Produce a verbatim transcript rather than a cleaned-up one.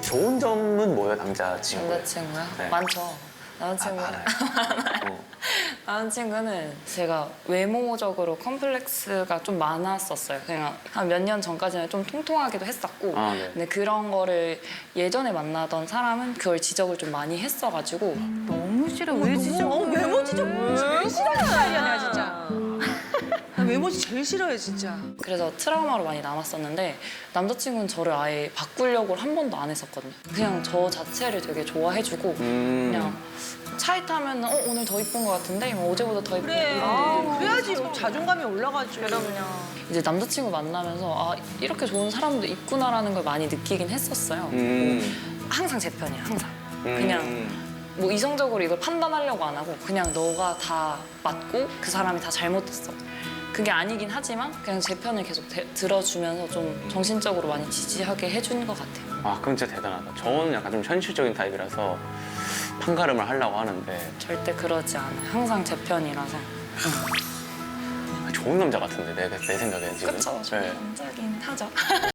좋은 점은 뭐예요, 남자친구? 남자친구요? 네. 많죠. 남자친구. 아, 어. 남자친구는 제가 외모적으로 컴플렉스가 좀 많았었어요. 그냥 한 몇 년 전까지는 좀 통통하기도 했었고. 아, 네. 근데 그런 거를 예전에 만나던 사람은 그걸 지적을 좀 많이 했어가지고. 너무 싫어. 왜 지적? 어, 외모 지적 제일 싫어하는 스타일이야, 내가 진짜. 나 외모 제일 싫어해, 진짜. 그래서 트라우마로 많이 남았었는데 남자친구는 저를 아예 바꾸려고 한 번도 안 했었거든요. 그냥 저 자체를 되게 좋아해주고 음. 그냥 차에 타면 어 오늘 더 이쁜 것 같은데 뭐 어제보다 더 이쁜 그래. 이런 그래야지 자존감이 올라가지. 그럼요. 이제 남자친구 만나면서 아 이렇게 좋은 사람도 있구나라는 걸 많이 느끼긴 했었어요. 음. 뭐, 항상 제 편이야, 항상. 음. 그냥 뭐 이성적으로 이걸 판단하려고 안 하고 그냥 너가 다 맞고 그 사람이 다 잘못했어. 그게 아니긴 하지만 그냥 제 편을 계속 대, 들어주면서 좀 정신적으로 많이 지지하게 해준 것 같아요. 아, 그럼 진짜 대단하다. 저는 약간 좀 현실적인 타입이라서 판가름을 하려고 하는데 절대 그러지 않아요. 항상 제 편이라서. 좋은 남자 같은데, 내, 내 생각에는 지금. 그쵸? 네. 남자긴 하죠.